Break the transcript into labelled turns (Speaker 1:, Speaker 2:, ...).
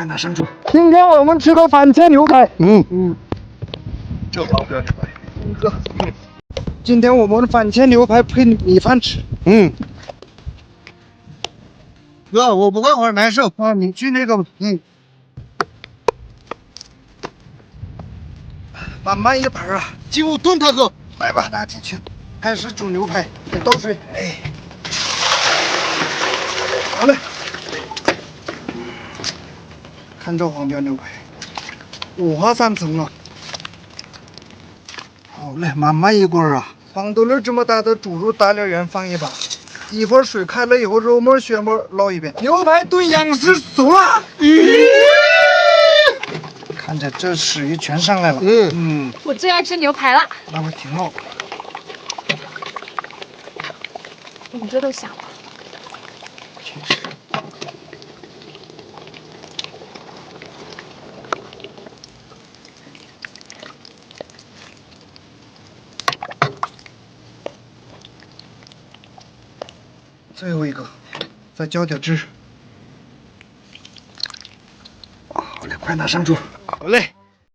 Speaker 1: 快拿上桌。
Speaker 2: 今天我们吃个番茄牛排。
Speaker 1: 这好不要吃。哥，
Speaker 2: 今天我们番茄牛排配米饭吃。
Speaker 1: 哥，我不会玩难受
Speaker 2: 啊，你去那个，慢慢一盘啊，
Speaker 1: 就炖它哥。
Speaker 2: 来吧，拿进去。开始煮牛排，得倒水。哎，好嘞。看这黄标牛排，五花三层啊。好嘞，慢慢一滚啊。黄豆粒这么大的猪肉大料圆放一把，一会儿水开了以后，肉末、血末捞一遍。牛排炖羊丝熟了。看着这水鱼全上来了。
Speaker 3: 我最爱吃牛排了。
Speaker 2: 那我挺好。
Speaker 3: 你这都想了。
Speaker 2: 最后一个，再浇点汁。好嘞，快拿上桌。
Speaker 1: 好嘞。